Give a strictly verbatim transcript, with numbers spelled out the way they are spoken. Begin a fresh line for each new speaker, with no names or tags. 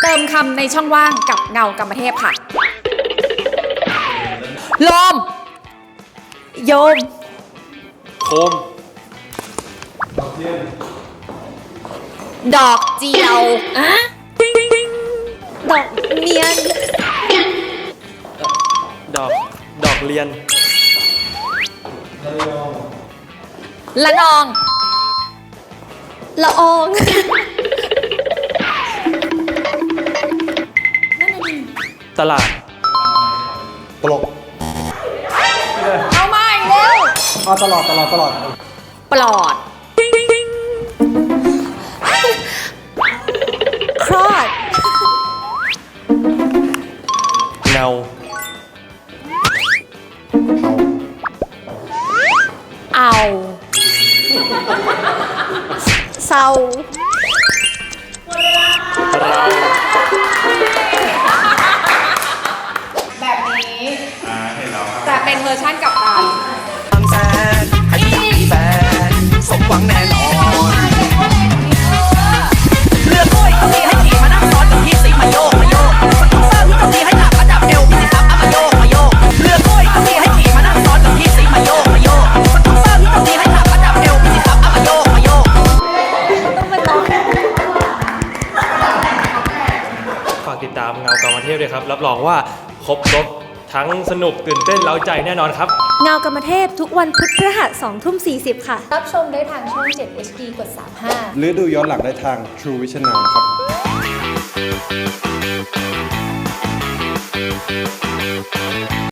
เติมคำในช่องว่างกับเงากรรมเทพค่ะโลมโยม
โคม
ดอกเจียวอะดอกเนียน
ดอกดอกเรียน
ละนองละออง
ตลาด
ตลก
เอาใหม่เร็ว
เอาตลอดตลอดตลอด
ปลอดคลอด
เงา
เอาเศร้า
เรา
แบบนี้แต่เป็นเวอร์ชันกับการ
บางแสนให้พี่มีแฟนสมหวังแน่นอนเลือกกล้วยก็มีให้ขี่มานั่งซ้อนกับพี่สิมาโยกมาโยกมันต้องสร้างที่ตรงนี้ให้หนักระดับเอวพี่สิครับเอามาโยกมาโยกเลือกกล้วยก็มีให้ขี่มานั่งซ้อนกับพี่สิมาโยกมาโยกมันต้องสร้างที่ตรงนี้ให้หนักระดับเอวพี่สิครับเอามาโยกมาโยก
ต้องเป็นร้อง
ฝากติดตามเงากรรมเทพด้วยครับรับรองว่าครบรถทั้งสนุกตื่นเต้นเร้าใจแน่นอนครับ
เงากรรมเทพทุกวันพุธพฤหัสสองทุ่มสี่สิบค่ะ
รับชมได้ทางช่องเจ็ด เอช ดี กดสามสิบห้า
หรือดูย้อนหลังได้ทาง True Vision Now ครับ